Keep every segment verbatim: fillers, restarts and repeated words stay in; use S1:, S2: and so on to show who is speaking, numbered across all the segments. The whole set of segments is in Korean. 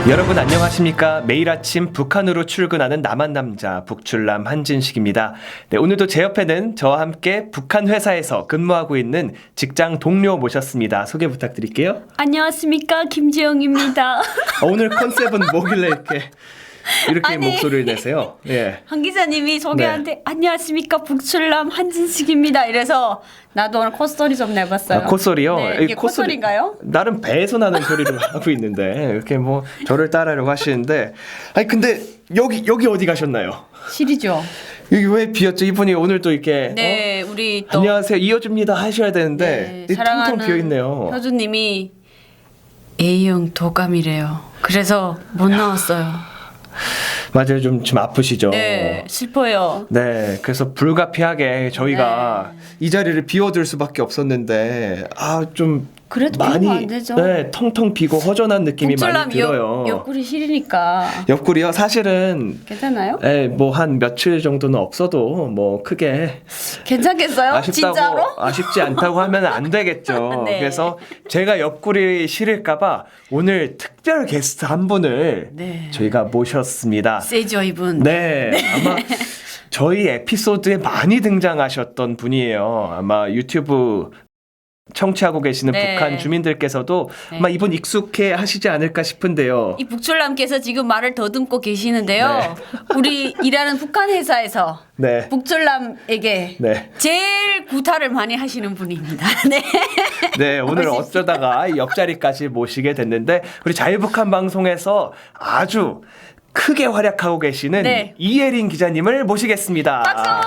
S1: 여러분 안녕하십니까? 매일 아침 북한으로 출근하는 남한 남자 북출남 한진식입니다. 네, 오늘도 제 옆에는 저와 함께 북한 회사에서 근무하고 있는 직장 동료 모셨습니다. 소개 부탁드릴게요.
S2: 안녕하십니까, 김지영입니다.
S1: 어, 오늘 컨셉은 뭐길래 이렇게 이렇게
S2: 아니,
S1: 목소리를 내세요? 예.
S2: 한 기자님이 소개한테 네. 안녕하십니까, 북출남 한진식입니다. 이래서 나도 오늘 콧소리 좀 내봤어요.
S1: 아, 콧소리요?
S2: 네, 이게 콧소리, 콧소리인가요?
S1: 나름 배에서 나는 소리를 하고 있는데 이렇게 뭐 저를 따라하려고 하시는데, 아니 근데 여기 여기 어디 가셨나요?
S2: 실이죠.
S1: 여기 왜 비었죠? 이분이 오늘 또 이렇게
S2: 네,
S1: 어?
S2: 우리 또
S1: 안녕하세요 이어줍니다 하셔야 되는데
S2: 네,
S1: 텅텅 비어 있네요.
S2: 효주님이 A형 도감이래요. 그래서 못 나왔어요.
S1: 맞아요, 좀 좀 아프시죠?
S2: 네, 슬퍼요.
S1: 네, 그래서 불가피하게 저희가
S2: 네.
S1: 이 자리를 비워둘 수밖에 없었는데 아 좀
S2: 그래도
S1: 많이
S2: 비우면 안 되죠.
S1: 네, 텅텅 비고 허전한 느낌이 많이 들어요.
S2: 옆, 옆구리 실이니까
S1: 옆구리요? 사실은
S2: 괜찮아요?
S1: 네, 뭐 한 며칠 정도는 없어도 뭐 크게
S2: 괜찮겠어요?
S1: 아쉽다고,
S2: 진짜로?
S1: 아쉽지 않다고 하면 안 되겠죠.
S2: 네.
S1: 그래서 제가 옆구리 실을까봐 오늘 특별 게스트 한 분을
S2: 네.
S1: 저희가 모셨습니다.
S2: 세죠, 이분.
S1: 네, 네. 아마 저희 에피소드에 많이 등장하셨던 분이에요. 아마 유튜브 청취하고 계시는
S2: 네.
S1: 북한 주민들께서도
S2: 네.
S1: 아마 이분 익숙해 하시지 않을까 싶은데요.
S2: 이 북출남께서 지금 말을 더듬고 계시는데요.
S1: 네.
S2: 우리 일하는 북한 회사에서
S1: 네.
S2: 북출남에게
S1: 네.
S2: 제일 구타를 많이 하시는 분입니다. 네.
S1: 네, 오늘
S2: 멋있-
S1: 어쩌다가 옆자리까지 모시게 됐는데 우리 자유북한 방송에서 아주 크게 활약하고 계시는
S2: 네.
S1: 이예린 기자님을 모시겠습니다.
S2: 박수!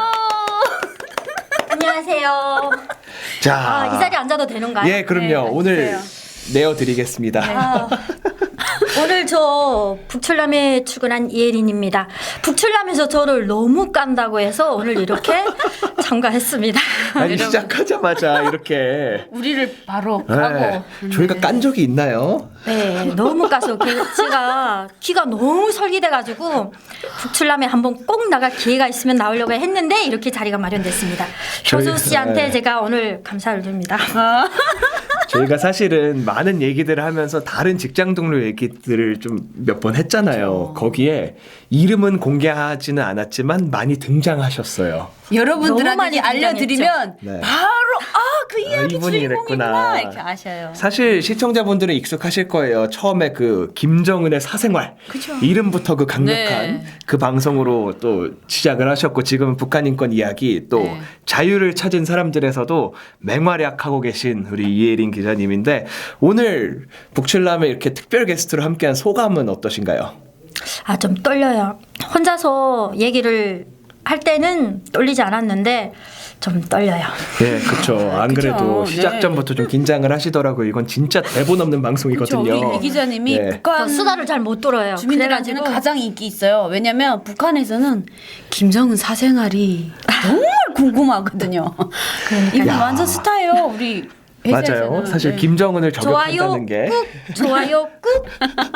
S3: 안녕하세요.
S1: 자,
S3: 아, 이 자리에 앉아도 되는가요?
S1: 예, 그럼요.
S2: 네,
S1: 오늘
S2: 앉으세요.
S1: 내어드리겠습니다.
S3: 아, 오늘 저 북출남에 출근한 이혜린입니다. 북출남에서 저를 너무 깐다고 해서 오늘 이렇게 참가했습니다.
S1: 아니 시작하자마자 이렇게
S2: 우리를 바로
S1: 네,
S2: 까고.
S1: 저희가 깐 적이 있나요?
S3: 네, 너무 까서 게- 제가 귀가 너무 설기돼가지고 북출남에 한번 꼭 나갈 기회가 있으면 나오려고 했는데 이렇게 자리가 마련됐습니다.
S1: 저희-
S3: 효수 씨한테
S1: 네.
S3: 제가 오늘 감사를 드립니다.
S1: 저희가 사실은 많은 얘기들을 하면서 다른 직장 동료 얘기들을 좀 몇 번 했잖아요. 거기에 이름은 공개하지는 않았지만 많이 등장하셨어요.
S3: 너무
S2: 여러분들한테
S3: 많이
S2: 알려드리면
S1: 네.
S2: 바로 아 그 이야기
S1: 이분이
S2: 주인공이구나
S1: 이랬구나.
S2: 이렇게 아셔요.
S1: 사실 시청자분들은 익숙하실 거예요. 처음에 그 김정은의 사생활
S2: 그쵸.
S1: 이름부터 그 강력한
S2: 네.
S1: 그 방송으로 또 시작을 하셨고 지금은 북한 인권 이야기 또
S2: 네.
S1: 자유를 찾은 사람들에서도 맹활약하고 계신 우리 이예린 기자님인데 오늘 북출남에 이렇게 특별 게스트로 함께한 소감은 어떠신가요?
S3: 아, 좀 떨려요. 혼자서 얘기를 할 때는 떨리지 않았는데 좀 떨려요.
S1: 네, 그렇죠. 안
S2: 그쵸.
S1: 그래도 시작
S2: 네.
S1: 전부터 좀 긴장을 하시더라고요. 이건 진짜 대본 없는 방송이거든요.
S2: 그렇죠. 우리 이 기자님이
S1: 네.
S2: 북한
S3: 저 수다를 잘 못 들어요.
S2: 주민들한테는
S3: 그래가지고
S2: 가장 인기 있어요. 왜냐면 북한에서는 김정은 사생활이 정말 궁금하거든요. 이분
S1: 야.
S2: 완전 스타예요. 우리 회사에서는.
S1: 맞아요. 사실
S2: 네.
S1: 김정은을
S3: 좋아요
S1: 저격한다는 게
S3: 꾹 좋아요 꾹.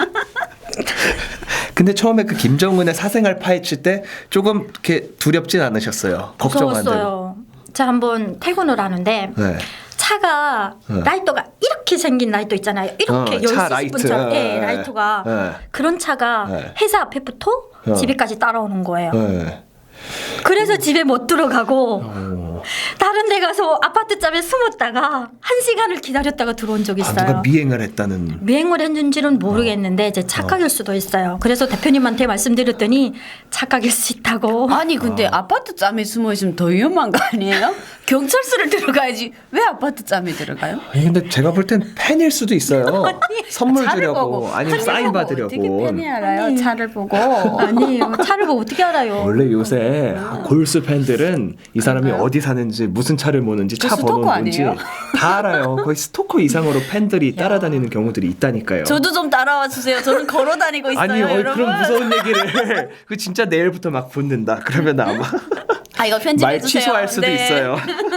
S1: 근데 처음에 그 김정은의 사생활 파헤칠 때 조금 이렇게 두렵진 않으셨어요? 걱정하는.
S3: 무서웠어요. 제가 한번 퇴근을 하는데
S1: 네.
S3: 차가
S1: 네.
S3: 라이터가 이렇게 생긴 라이터 있잖아요. 이렇게
S1: 어,
S3: 열수
S1: 차
S3: 싶은
S1: 라이트.
S3: 차,
S1: 네.
S3: 네, 라이터가
S1: 네.
S3: 그런 차가
S1: 네.
S3: 회사 앞에부터
S1: 어.
S3: 집에까지 따라오는 거예요.
S1: 네.
S3: 그래서 집에 못 들어가고
S1: 어.
S3: 다른 데 가서 아파트 짬에 숨었다가 한 시간을 기다렸다가 들어온 적이
S1: 아,
S3: 있어요.
S1: 누가 미행을 했다는.
S3: 미행을 했는지는 모르겠는데 이제 착각일 수도 있어요. 그래서 대표님한테 말씀드렸더니 착각일 수 있다고.
S2: 아니 근데 아. 파트 짬에 숨어 있으면 더 위험한 거 아니에요? 경찰서를 들어가야지. 왜 아파트 짬에 들어가요?
S1: 아니 근데 제가 볼 땐 팬일 수도 있어요. 선물
S2: 차를
S1: 주려고
S2: 보고,
S1: 아니면
S2: 차를
S1: 사인
S2: 보고
S1: 받으려고.
S2: 어떻게 팬이 알아요?
S3: 아니.
S2: 차를 보고.
S3: 아니에요. 차를 보고 어떻게 알아요?
S1: 원래 요새 골수 팬들은 이 사람이
S2: 그런가요?
S1: 어디 사는지 무슨 차를 모는지
S2: 저
S1: 차
S2: 스토커
S1: 번호 뭔지
S2: 아니에요?
S1: 다 알아요. 거의 스토커 이상으로 팬들이 따라다니는 경우들이 있다니까요.
S2: 저도 좀 따라와 주세요. 저는 걸어 다니고 있어요,
S1: 아니 어,
S2: 여러분.
S1: 그런 무서운 얘기를 그 진짜 내일부터 막 붙는다. 그러면 아마
S2: 아 이거 편집해
S1: 말
S2: 주세요.
S1: 취소할 수도
S2: 네.
S1: 있어요.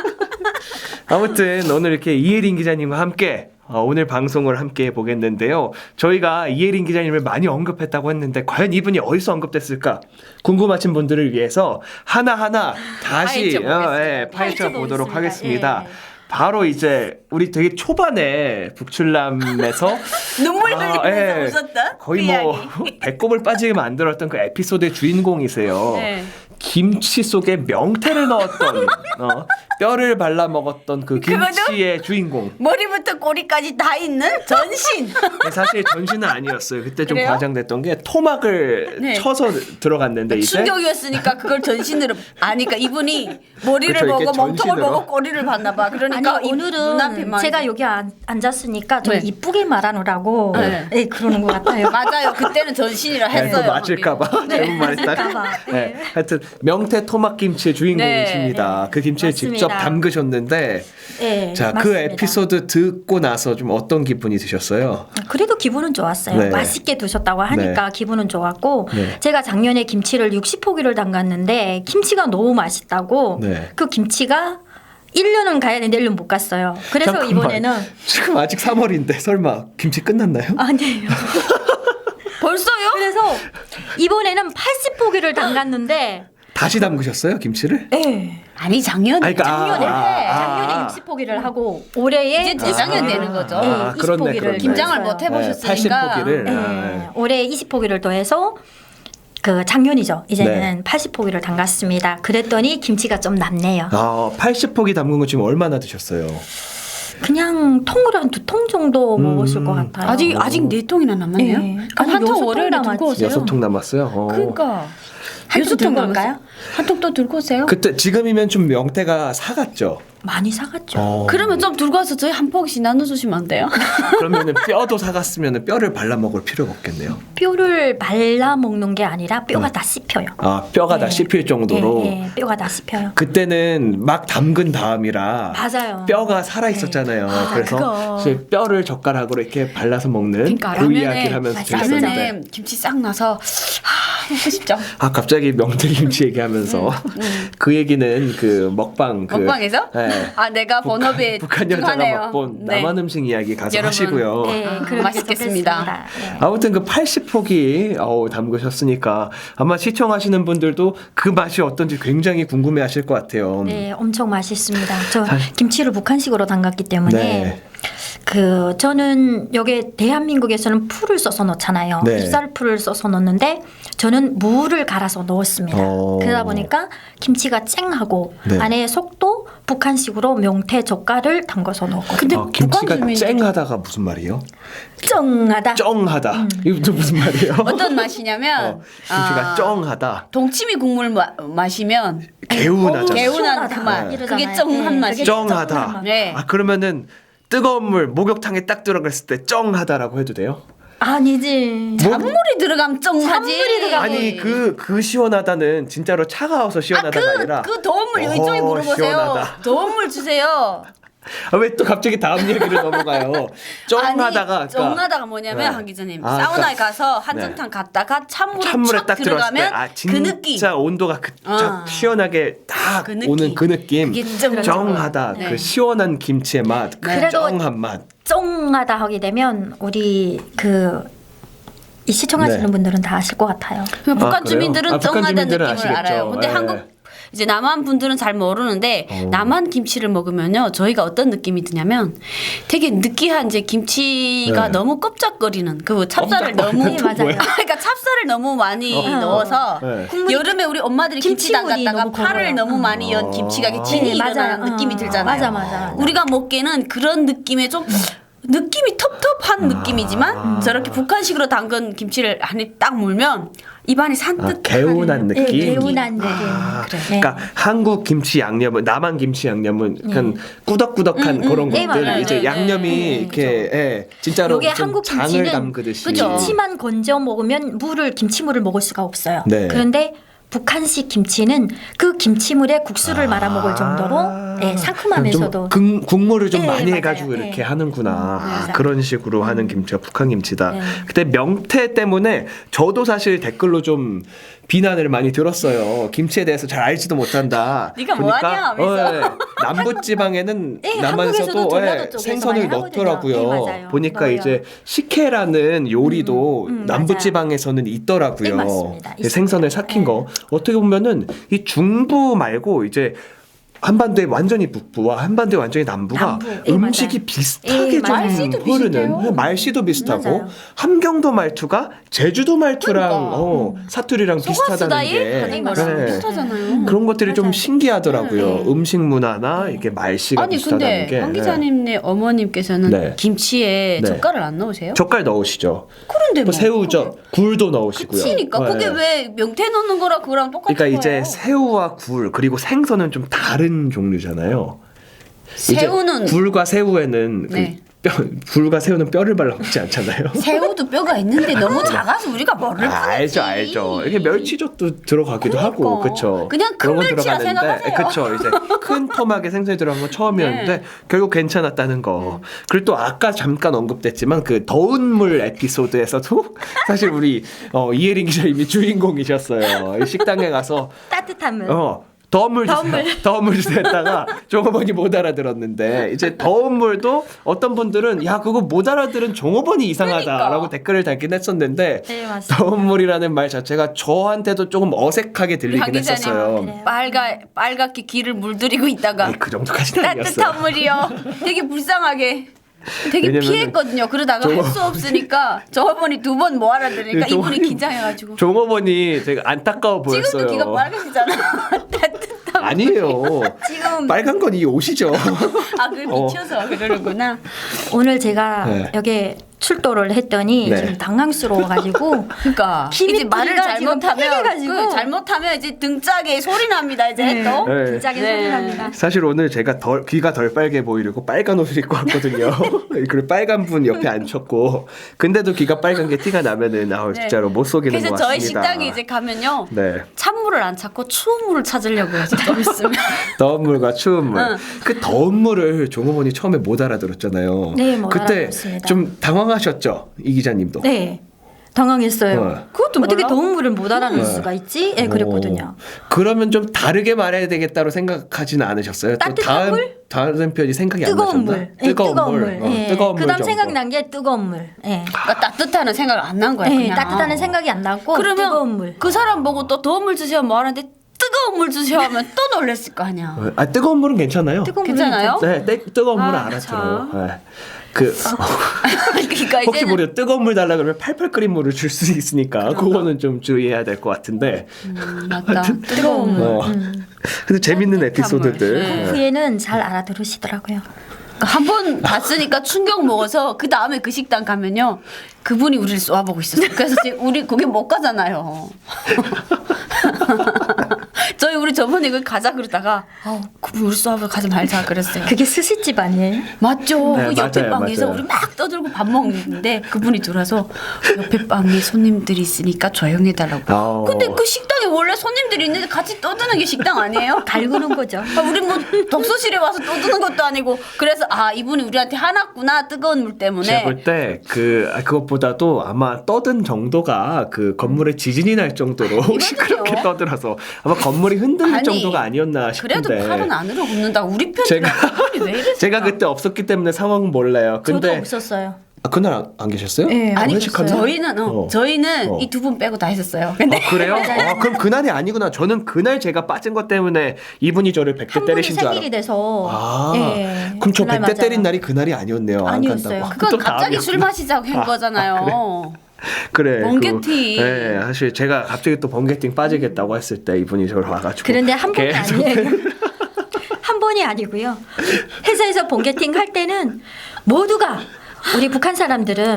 S1: 아무튼 오늘 이렇게 이혜린 기자님과 함께 어, 오늘 방송을 함께 해보겠는데요. 저희가 이혜린 기자님을 많이 언급했다고 했는데 과연 이분이 어디서 언급됐을까 궁금하신 분들을 위해서 하나하나 다시
S2: 파헤쳐 보겠습니다.
S1: 어, 예, 파헤쳐 보도록
S3: 보겠습니다.
S1: 하겠습니다.
S3: 예.
S1: 바로 이제 우리 되게 초반에 북출남에서
S2: 눈물
S1: 아,
S2: 흘리면서
S1: 예.
S2: 웃었다.
S1: 거의
S2: 그
S1: 뭐
S2: 이야기.
S1: 배꼽을 빠지게 만들었던 그 에피소드의 주인공이세요.
S2: 네.
S1: 김치 속에 명태를 넣었던 어, 뼈를 발라 먹었던 그
S2: 그거는?
S1: 김치의 주인공.
S2: 머리부터 꼬리까지 다 있는 전신.
S1: 사실 전신은 아니었어요. 그때 좀
S2: 그래요?
S1: 과장됐던 게 토막을
S2: 네.
S1: 쳐서 들어갔는데 이제
S2: 충격이었으니까 그걸 전신으로 아니까 이분이 머리를
S1: 그쵸, 이렇게
S2: 보고 몸통을
S1: 전신으로.
S2: 보고 꼬리를 봤나 봐. 그러니까
S3: 아니
S2: 이 눈앞에
S3: 오늘은
S2: 막
S3: 제가 여기 앉, 앉았으니까 좀
S2: 네.
S3: 이쁘게 말하느라고
S2: 네.
S3: 네, 그러는 것 같아요.
S2: 맞아요. 그때는 전신이라
S1: 네,
S2: 했어요.
S1: 또 맞을까봐
S2: 네.
S1: 잘못 말했다가.
S3: 맞을까봐.
S1: 네. 하여튼 명태 토막 김치의 주인공이십니다.
S3: 네.
S1: 그 김치를
S3: 맞습니다.
S1: 직접 담그셨는데,
S3: 네,
S1: 자 그
S3: 맞습니다.
S1: 에피소드 듣고 나서 좀 어떤 기분이 드셨어요?
S3: 그래도 기분은 좋았어요.
S1: 네.
S3: 맛있게 드셨다고 하니까 기분은 좋았고
S1: 네.
S3: 제가 작년에 김치를 육십 포기를 담갔는데 김치가 너무 맛있다고
S1: 네.
S3: 그 김치가 일 년은 가야 되는데 일 년 못 갔어요. 그래서
S1: 잠깐만.
S3: 이번에는
S1: 지금 아직 삼월인데 설마 김치 끝났나요?
S3: 아니에요.
S2: 벌써요?
S3: 그래서 이번에는 팔십 포기를 담갔는데
S1: 다시 담그셨어요 김치를?
S3: 네.
S2: 아니 작년에
S1: 아니, 그러니까,
S3: 작년에
S1: 아, 아,
S3: 작년에
S1: 아.
S3: 육십 포기를 하고 올해에
S2: 이제 재작년 되는 거죠.
S3: 네,
S1: 아,
S3: 이십
S1: 그렇네,
S3: 포기를
S1: 그렇네.
S2: 김장을
S3: 했어요.
S2: 못 해보셨으니까.
S1: 팔십 포기를.
S3: 네,
S1: 아,
S3: 올해 이십 포기를 더해서 그 작년이죠. 이제는
S1: 네.
S3: 팔십 포기를 담갔습니다. 그랬더니 김치가 좀 남네요.
S1: 아, 팔십 포기 담근 거 지금 얼마나 드셨어요?
S3: 그냥 통으로 한 두 통 정도
S1: 음.
S3: 먹었을 것 같아요.
S2: 아직 아직 네 통이나 남았네요.
S3: 네.
S2: 그럼
S3: 아니, 여섯
S2: 한통
S3: 통
S2: 월요일에
S3: 남았지.
S2: 들고 오세요.
S1: 여섯 통 남았어요. 어.
S2: 그러니까
S3: 한통
S2: 여섯 통
S3: 들고
S2: 남았어요.
S3: 올까요?
S2: 한 통 또 들고 오세요.
S1: 그때 지금이면 좀 명태가 사갔죠.
S3: 많이 사갔죠.
S1: 어.
S2: 그러면 좀 들고 와서 저희 한 포기씩 나눠주시면 안 돼요?
S1: 그러면은 뼈도 사갔으면은 뼈를 발라 먹을 필요가 없겠네요.
S3: 뼈를 발라 먹는 게 아니라 뼈가
S1: 네.
S3: 다 씹혀요.
S1: 아, 뼈가 다
S3: 네.
S1: 씹힐 정도로.
S3: 네, 네, 뼈가 다 씹혀요.
S1: 그때는 막 담근 다음이라
S3: 맞아요.
S1: 뼈가 살아 있었잖아요.
S2: 아,
S1: 그래서
S2: 그거.
S1: 사실 뼈를 젓가락으로 이렇게 발라서 먹는
S2: 그러니까
S1: 그
S2: 라면에
S1: 이야기를 하면서
S3: 맞아요.
S1: 재밌었는데.
S2: 라면에 김치 싹 나서 아 먹고 싶죠.
S1: 아 갑자기 명태김치 얘기하면서 그 얘기는 그 먹방 그
S2: 먹방에서?
S1: 네.
S2: 아 내가 번업에
S1: 북한 여자가
S2: 집중하네요.
S1: 맛본
S2: 네.
S1: 남한 음식 이야기 가서
S2: 여러분.
S1: 하시고요.
S3: 네,
S2: 아,
S3: 그렇게
S2: 맛있겠습니다.
S3: 좋겠습니다. 네.
S1: 아무튼 그 팔십 포기 어, 담그셨으니까 아마 시청하시는 분들도 그 맛이 어떤지 굉장히 궁금해하실 것 같아요.
S3: 네, 엄청 맛있습니다. 저
S1: 사-
S3: 김치를 북한식으로 담갔기 때문에
S1: 네.
S3: 그 저는 여기 대한민국에서는 풀을 써서 넣잖아요.
S1: 네.
S3: 잎살풀을 써서 넣는데 저는 무를 갈아서 넣었습니다.
S1: 어.
S3: 그러다 보니까 김치가 쨍하고
S1: 네.
S3: 안에 속도 북한식으로 명태 젓갈을 담가서 넣었거든요.
S2: 근데
S1: 아, 김치가
S2: 북한 주민들이-
S1: 쨍하다가 무슨 말이에요?
S3: 쩡하다.
S1: 쩡하다.
S3: 음.
S1: 이거 또 무슨 말이에요?
S2: 어떤 맛이냐면
S1: 어, 김치가
S2: 아,
S1: 쩡하다.
S2: 동치미 국물 마, 마시면
S1: 개운하잖아.
S2: 개운한 그 맛.
S1: 네.
S2: 그게
S3: 이러잖아요.
S2: 쩡한
S3: 네,
S2: 맛이.
S3: 그게 쩡한
S1: 쩡하다.
S3: 맛.
S2: 네.
S1: 아 그러면은 뜨거운 물 목욕탕에 딱 들어갔을 때 쩡하다라고 해도 돼요?
S3: 아니지.
S1: 뭐-
S2: 찬물이 들어가면 쩡하지.
S3: 찬물이 들어가면-
S1: 아니 그 그 시원하다는 진짜로 차가워서 시원하다가 아, 니라
S2: 그 더운 물
S1: 어,
S2: 이쪽에 물어보세요.
S1: 시원하다.
S2: 더운 물 주세요.
S1: 아, 왜 또 갑자기 다음 얘기를 넘어가요? 쩡하다가
S2: 아니, 쩡하다가 뭐냐면
S1: 네.
S2: 한 기자님
S1: 아,
S2: 사우나에
S1: 그러니까-
S2: 가서 한정탕 갔다가 찬물에,
S1: 찬물에
S2: 촥
S1: 딱 들어갔을 때
S2: 들어가면
S1: 아
S2: 그
S1: 진짜
S2: 느낌.
S1: 온도가 그 쫙
S2: 아.
S1: 시원하게 딱
S2: 그 느낌.
S1: 오는 그 느낌.
S2: 그게 쩡-
S1: 쩡하다.
S2: 네.
S1: 그 시원한 김치의 맛. 그
S3: 그래도-
S1: 쩡한 맛.
S3: 쩡하다 하게 되면 우리 그 이 시청하시는
S1: 네.
S3: 분들은 다 아실 것 같아요.
S2: 그냥 북한
S1: 아, 그래요?
S2: 주민들은
S1: 아, 북한
S2: 쩡하다는
S1: 주민들은
S2: 느낌을
S1: 아시겠죠.
S2: 알아요. 근데
S1: 예.
S2: 한국 이제 남한 분들은 잘 모르는데
S1: 어.
S2: 남한 김치를 먹으면요 저희가 어떤 느낌이 드냐면 되게 느끼한 이제 김치가
S1: 네.
S2: 너무 껍적거리는 그 찹쌀을 너무
S3: 네, 맞아요.
S2: 그러니까 찹쌀을 너무 많이
S3: 어.
S2: 넣어서
S1: 네.
S2: 여름에 우리 엄마들이 김치
S3: 김치물이
S2: 담갔다가
S3: 너무
S2: 파를
S3: 걸어요.
S2: 너무 많이 연
S1: 어.
S2: 김치가 이게 진이
S3: 네,
S2: 일어나는
S3: 맞아요.
S2: 느낌이
S3: 어.
S2: 들잖아요.
S3: 맞아, 맞아, 맞아.
S2: 우리가 먹기에는 그런 느낌의 좀 느낌이 텁텁한 느낌이지만
S1: 아.
S2: 저렇게 북한식으로 담근 김치를 안에 딱 물면 입안이
S1: 아,
S2: 산뜻
S1: 개운한
S3: 네,
S1: 느낌.
S3: 개운한 느낌.
S1: 아,
S3: 그래.
S1: 그러니까 한국 김치 양념은 남한 김치 양념은 약간 꾸덕꾸덕한
S2: 음, 음.
S1: 그런
S3: 네,
S1: 것들
S3: 맞아요.
S1: 이제
S2: 네,
S1: 양념이
S3: 네,
S1: 이렇게 예, 진짜로
S3: 요게
S1: 무슨
S3: 한국
S1: 장을
S3: 김치는
S1: 담그듯이
S2: 그죠?
S3: 김치만 건져 먹으면 물을 김치물을 먹을 수가 없어요.
S1: 네.
S3: 그런데 북한식 김치는 그 김치물에 국수를 말아 먹을 정도로 예, 상큼하면서도
S1: 좀 국- 국물을 좀
S3: 네,
S1: 많이
S3: 맞아요.
S1: 해가지고 이렇게
S3: 네.
S1: 하는구나. 아,
S3: 맞아요.
S1: 그런 식으로 하는 김치가 북한 김치다.
S3: 네.
S1: 그때 명태 때문에 저도 사실 댓글로 좀 비난을 많이 들었어요. 김치에 대해서 잘 알지도 못한다.
S2: 네가 뭐하냐 하면서.
S1: 어, 예. 남부지방에는
S3: 예,
S1: 남한에서도
S3: 한국에서도 전라도
S1: 예,
S3: 쪽에서
S1: 생선을
S3: 많이 하거든요.
S1: 넣더라고요.
S3: 네, 맞아요.
S1: 보니까
S3: 넣어요.
S1: 이제 식혜라는 요리도
S3: 음, 음,
S1: 남부지방에서는 있더라고요.
S3: 네, 맞습니다.
S1: 예, 생선을
S3: 있습니다.
S1: 삭힌
S3: 네.
S1: 거. 어떻게 보면은 이 중부 말고 이제 한반도의 완전히 북부와 한반도의 완전히 남부가
S3: 남부. 예,
S1: 음식이
S3: 맞아요.
S1: 비슷하게
S3: 예,
S1: 좀
S2: 말씨도
S1: 흐르는
S2: 비슷해요.
S1: 말씨도 비슷하고
S3: 맞아요.
S1: 함경도 말투가 제주도 말투랑
S2: 그러니까.
S1: 어, 사투리랑 비슷하다는
S2: 소가수다이
S1: 게
S2: 하는 거랑
S1: 네.
S2: 비슷하잖아요.
S1: 그런 것들이 좀
S3: 맞아요.
S1: 신기하더라고요.
S3: 네.
S1: 음식 문화나 이게 말씨가
S2: 아니
S1: 비슷하다는
S2: 근데
S1: 게.
S2: 황 기자님네 어머님께서는
S1: 네.
S2: 김치에
S1: 네.
S2: 젓갈을 안 넣으세요?
S1: 젓갈 넣으시죠.
S2: 그런데
S1: 뭐
S2: 뭐
S1: 새우젓, 굴도 넣으시고요.
S2: 그러니까
S1: 네.
S2: 그게 왜 명태 넣는 거랑 그거랑 똑같은
S1: 그러니까
S2: 거예요?
S1: 이제 새우와 굴 그리고 생선은 좀 다른 종류잖아요. 이제
S2: 새우는
S1: 굴과 새우에는
S2: 네.
S1: 그 뼈, 굴과 새우는 뼈를 발라 먹지 않잖아요.
S2: 새우도 뼈가 있는데 너무 작아서 우리가 뭐를
S1: 아, 알죠,
S2: 파는지.
S1: 알죠. 이게 멸치젓도 들어가기도 하고,
S2: 그러니까.
S1: 그렇죠.
S2: 그냥 큰 멸치라 생각하세요.
S1: 그렇죠. 이제 큰 토막에 생선이 들어간 건 처음이었는데
S2: 네.
S1: 결국 괜찮았다는 거. 그리고 또 아까 잠깐 언급됐지만 그 더운 물 에피소드에서도 사실 우리 어, 이혜린 기자님이 주인공이셨어요. 이 식당에 가서
S3: 따뜻한 물.
S1: 어. 더운 물
S3: 더운
S1: 주세요.
S3: 물.
S1: 더운 물 주세요 했다가 종업원이 못 알아들었는데 이제 더운 물도 어떤 분들은 야 그거 못 알아들은 종업원이 이상하다라고
S2: 그러니까.
S1: 댓글을 달긴 했었는데
S3: 네, 맞습니다.
S1: 더운 물이라는 말 자체가 저한테도 조금 어색하게
S2: 황
S1: 들리긴
S2: 기자님
S1: 했었어요.
S3: 그래요.
S2: 빨가 빨갛게 귀를 물들이고 있다가
S1: 아니, 그 정도까지는 아니었어요.
S2: 따뜻한 물이요. 되게 불쌍하게. 되게
S1: 왜냐면은
S2: 피했거든요. 그러다가
S1: 저-
S2: 할 수 없으니까 저번이 두 번 못 알아들으니까
S1: 저-
S2: 이분이 긴장해가지고
S1: 종업원이 되게 안타까워 보였어요.
S2: 지금도 귀가 빨개지잖아. 따뜻한
S1: 아니에요.
S3: 지금
S1: 빨간 건 이 옷이죠.
S2: 아, 그걸
S1: 어.
S2: 미쳐서 그러는구나.
S3: 오늘 제가
S1: 네.
S3: 여기 출도를 했더니
S1: 네.
S3: 지금 당황스러워가지고
S2: 그러니까
S3: 김이
S2: 이제 말을
S3: 뿌리가 지금
S2: 잘못하면
S3: 빨개가지고.
S2: 그 잘못하면 이제 등짝에 소리 납니다. 이제
S3: 네.
S2: 또.
S1: 네.
S3: 긴장이
S2: 네.
S3: 소리 납니다.
S1: 사실 오늘 제가 덜, 귀가 덜 빨개 보이려고 빨간 옷을 입고 왔거든요. 그리고 빨간 분 옆에 앉혔고 근데도 귀가 빨간 게 티가 나면은 아
S2: 네.
S1: 진짜로 못 속이는
S2: 그래서
S1: 것
S2: 저희
S1: 같습니다.
S2: 식당에 이제 가면요.
S1: 네.
S2: 찬물을 안 찾고 추운 물을 찾으려고요. 좀 있으면.
S1: 더운 물과 추운 물.
S2: 응.
S1: 그 더운 물을 종업원이 처음에 못 알아들었잖아요.
S3: 네, 못
S1: 그때
S3: 알아들었습니다.
S1: 좀 당황하셨죠, 이 기자님도.
S3: 네. 당황했어요.
S1: 어.
S2: 그것도
S3: 어떻게
S2: 몰라?
S3: 더운 물을 못 알아낼
S1: 네.
S3: 수가 있지? 예, 그랬거든요.
S1: 어, 그러면 좀 다르게 말해야 되겠다로 생각하지는 않으셨어요? 또
S3: 따뜻한
S1: 다음,
S3: 물?
S1: 다른 편이 생각이 안
S3: 뜨거운
S1: 나셨나?
S3: 물. 예, 뜨거운 물.
S1: 어,
S3: 예.
S1: 뜨거운 물
S3: 그다음
S1: 정도.
S3: 생각난 게 뜨거운 물. 예.
S2: 그러니까 따뜻하는 생각 안 난 거야.
S3: 예,
S2: 그냥.
S3: 따뜻하는 생각이 안 나고
S2: 그러면
S3: 뜨거운 물.
S2: 그 사람 보고 또 더운 물 주세요 뭐 하는데 뜨거운 물 주세요 하면 또 놀랬을 거 아니야.
S1: 어, 아 뜨거운 물은 괜찮아요.
S3: 뜨거운 물은
S2: 괜찮아요?
S1: 네, 뜨, 뜨거운 물은
S2: 아,
S1: 알아들어요. 네. 그
S2: 그러니까
S1: 혹시
S2: 이제는
S1: 모르 뜨거운 물 달라 그러면 팔팔 끓인 물을 줄 수 있으니까 그거는 좀 주의해야 될 것 같은데.
S2: 음, 맞다. 뜨거운 물.
S1: 어. 근데 재밌는
S2: 따뜻한
S1: 에피소드들.
S2: 물. 네.
S1: 네.
S3: 그 후에는 잘 알아들으시더라고요.
S2: 한 번 봤으니까 충격 먹어서 그 다음에 그 식당 가면요 그분이 우리를 쏘아보고 있었어요. 그래서 지금 우리 거기 못 가잖아요. 저희 우리 저번에 그 가자 그러다가 어, 그분 우리 쏘아보고 가지 말자 그랬어요.
S3: 그게 스시집 아니에요?
S2: 맞죠.
S1: 네,
S2: 그 옆에
S1: 맞아요,
S2: 방에서
S1: 맞아요.
S2: 우리 막 떠들고 밥 먹는데 그분이 들어와서 옆에 방에 손님들이 있으니까 조용해달라고.
S1: 아우.
S2: 근데 그 식당에 원래 손님들이 있는데 같이 떠드는 게 식당 아니에요?
S3: 갈구는 거죠.
S2: 아, 우리 뭐 독서실에 와서 떠드는 것도 아니고 그래서 아 이분이 우리한테 화났구나 뜨거운 물 때문에.
S1: 제가 볼 때 그 그것보다도 아마 떠든 정도가 그 건물에 지진이 날 정도로 시끄럽게 떠들어서 아마 건물이 흔들릴
S2: 아니,
S1: 정도가 아니었나
S2: 그래도
S1: 싶은데.
S2: 팔은 안으로 굽는다. 우리 편이라
S1: 제가-
S2: 그분이 왜 이랬을까?
S1: 제가 그때 없었기 때문에 상황은 몰라요.
S3: 저도
S1: 근데
S3: 없었어요.
S1: 아, 그날 안, 안 계셨어요?
S3: 네,
S2: 아니
S1: 회식하는
S2: 저희는 어,
S1: 어.
S2: 저희는
S1: 어.
S2: 이 두 분 빼고 다 했었어요. 근데
S1: 아, 그래요? 아, 그럼 그날이 아니구나. 저는 그날 제가 빠진 것 때문에 이분이 저를 백대
S3: 한 분이
S1: 때리신 줄 알아.
S3: 생일이 돼서
S1: 아,
S3: 예,
S1: 그럼 저
S3: 그날
S1: 백대
S3: 맞아요.
S1: 때린 날이 그날이 아니었네요. 안
S3: 아니었어요.
S1: 간다고.
S2: 그건
S1: 또
S2: 갑자기 술
S1: 다음이었구나.
S2: 마시자고 한 거잖아요.
S1: 그래.
S2: 번개팅.
S1: 그, 네, 사실 제가 갑자기 또 번개팅 빠지겠다고 했을 때 이분이 저를 와가지고.
S3: 그런데 한 번이
S1: 계속
S3: 아니에요. 한 번이 아니고요. 회사에서 본게팅 할 때는 모두가 우리 북한 사람들은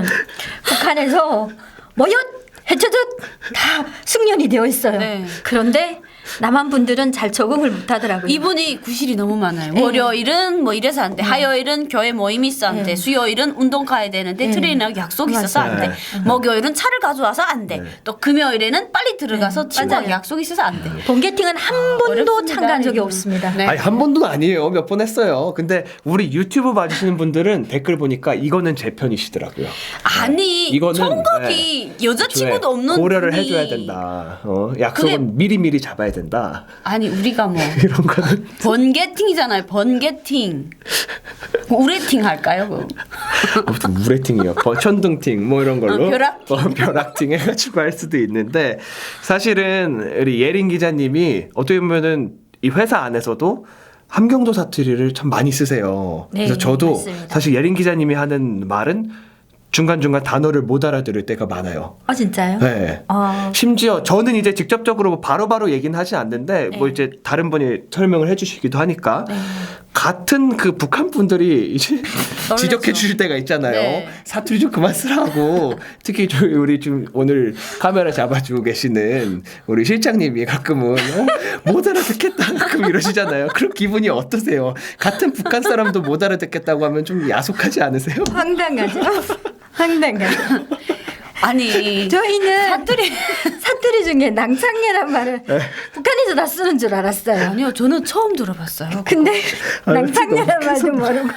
S3: 북한에서 뭐였 해쳐듯 다 숙련이 되어 있어요.
S2: 네.
S3: 그런데 남한 분들은 잘 적응을 못하더라고요.
S2: 이분이 구실이 너무 많아요.
S3: 네.
S2: 월요일은 뭐 이래서 안 돼. 화요일은 교회 모임이 있어 안 돼.
S3: 네.
S2: 수요일은 운동 가야 되는데
S3: 네.
S2: 트레이너하고 약속이 있어서 안 돼.
S1: 맞아요.
S2: 목요일은 차를 가져와서 안 돼.
S1: 네.
S2: 또 금요일에는 빨리 들어가서
S3: 네.
S2: 친구하고
S3: 맞아요.
S2: 약속이 있어서 안 돼.
S3: 본게팅은 한 번도
S2: 어렵습니다,
S3: 참가한 적이
S2: 이거는.
S3: 없습니다.
S2: 네.
S1: 아니 한 번도 아니에요. 몇 번 했어요. 근데 우리 유튜브 봐주시는 분들은 댓글 보니까 이거는 제 편이시더라고요.
S2: 아니
S1: 이거는,
S2: 청각이 여자친구도 없는
S1: 고려를
S2: 분이
S1: 해줘야 된다. 어, 약속은 미리 미리 잡아야 된다.
S2: 아니 우리가 뭐
S1: 이런 거는
S2: 번개팅이잖아요. 번개팅. 우레팅 할까요? 그거?
S1: 아무튼 우레팅이요. 버- 천둥팅 뭐 이런 걸로
S2: 어, 벼락팅.
S1: 어, 벼락팅 해가지고 할 수도 있는데 사실은 우리 예린 기자님이 어떻게 보면은 이 회사 안에서도 함경도 사투리를 참 많이 쓰세요.
S3: 네,
S1: 그래서 저도
S3: 맞습니다.
S1: 사실 예린 기자님이 하는 말은 중간중간 단어를 못 알아들을 때가 많아요.
S3: 아 진짜요?
S1: 네.
S3: 어,
S1: 심지어 저는 이제 직접적으로 바로바로 얘기는 하지 않는데
S3: 네.
S1: 뭐 이제 다른 분이 설명을 해주시기도 하니까
S3: 네.
S1: 같은 그 북한 분들이 이제
S2: 놀라죠.
S1: 지적해 주실 때가 있잖아요.
S2: 네.
S1: 사투리 좀 그만 쓰라고. 특히 저희 우리 지금 오늘 카메라 잡아주고 계시는 우리 실장님이 가끔은 어? 못 알아듣겠다 가끔 이러시잖아요. 그런 기분이 어떠세요? 같은 북한 사람도 못 알아듣겠다고 하면 좀 야속하지 않으세요?
S3: 황당하죠. 황당하죠.
S2: 아니
S3: 저희는
S2: 사투리
S3: 사투리 중에 낭창례란 말을 북한에서 다 쓰는 줄 알았어요.
S2: 아니요 저는 처음 들어봤어요.
S3: 근데
S1: 아,
S3: 낭창례란
S1: 너무
S3: 말도 모르고.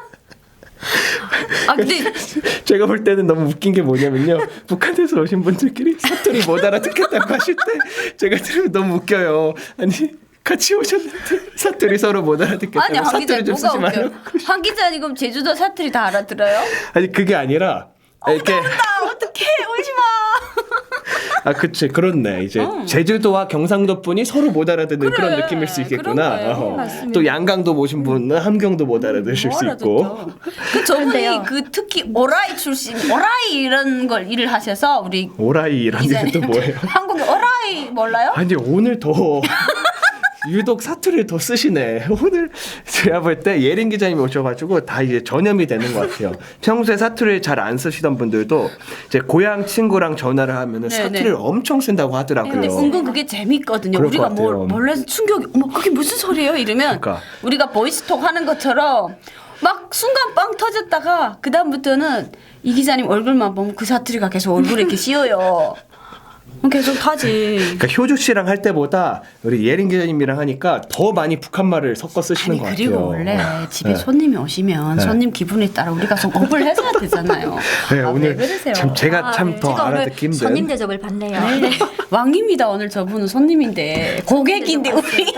S2: 아 근데
S1: 제가 볼 때는 너무 웃긴 게 뭐냐면요. 북한에서 오신 분들끼리 사투리 못 알아듣겠다고 하실 때 제가 들으면 너무 웃겨요. 아니 같이 오셨는데 사투리 서로 못 알아듣겠다고
S2: 아니 황 기자
S1: 사투리 좀
S2: 뭐가
S1: 쓰지
S2: 웃겨?
S1: 말라고.
S2: 황 기자 지금 제주도 사투리 다 알아들어요?
S1: 아니 그게 아니라 이렇게
S2: 나 어떡해 울지 마.
S1: 아 그치 그렇네 이제 제주도와 경상도 분이 서로 못 알아듣는
S2: 그래,
S1: 그런 느낌일 수 있겠구나.
S2: 그런 거예요.
S1: 어.
S3: 맞습니다.
S1: 또 양강도 모신 분은 함경도 못 알아들으실 수 있고.
S2: 그 저분이
S3: 그런데요.
S2: 그 특히 오라이 출신 오라이 이런 걸 일을 하셔서 우리
S1: 오라이 이런
S2: 기자님
S1: 일은 또 뭐예요?
S2: 한국에 오라이 몰라요?
S1: 아니 오늘 더 유독 사투리를 더 쓰시네. 오늘 제가 볼 때 예린 기자님이 오셔가지고 다 이제 전염이 되는 것 같아요. 평소에 사투리를 잘 안 쓰시던 분들도 이제 고향 친구랑 전화를 하면은
S2: 네,
S1: 사투리를
S2: 네.
S1: 엄청 쓴다고 하더라고요.
S2: 근데 은근 그게 재밌거든요.
S1: 그럴
S2: 우리가
S1: 것 같아요.
S2: 뭘 몰라서 충격이 어머 그게 무슨 소리예요? 이러면
S1: 그러니까.
S2: 우리가 보이스톡 하는 것처럼 막 순간 빵 터졌다가 그 다음부터는 이 기자님 얼굴만 보면 그 사투리가 계속 얼굴에 이렇게 씌어요. 그럼 계속 하지.
S1: 그러니까 효주 씨랑 할 때보다 우리 예린 기자님이랑 하니까 더 많이 북한 말을 섞어 쓰시는
S2: 아니
S1: 것
S2: 그리고
S1: 같아요.
S2: 원래 집에
S1: 네.
S2: 손님이 오시면
S1: 네.
S2: 손님 기분에 따라 우리가 좀 업을 해줘야 되잖아요.
S1: 네,
S2: 아,
S1: 오늘
S2: 왜 그러세요?
S1: 참 제가
S3: 아,
S1: 참
S3: 네.
S1: 더
S3: 제가 오늘
S1: 알아듣기 힘든.
S3: 손님 대접을 받네요.
S2: 네. 왕입니다 오늘 저분은 손님인데 고객인데 우리.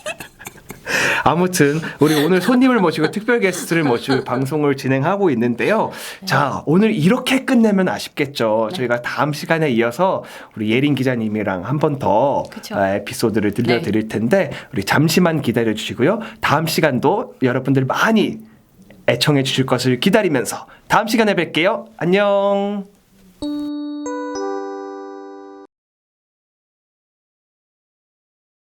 S1: 아무튼 우리 오늘 손님을 모시고 특별 게스트를 모시고 방송을 진행하고 있는데요. 자 오늘 이렇게 끝내면 아쉽겠죠.
S2: 네.
S1: 저희가 다음 시간에 이어서 우리 예린 기자님이랑 한 번 더
S2: 그쵸.
S1: 에피소드를 들려드릴 텐데 우리 잠시만 기다려 주시고요. 다음 시간도 여러분들 많이 애청해 주실 것을 기다리면서 다음 시간에 뵐게요. 안녕.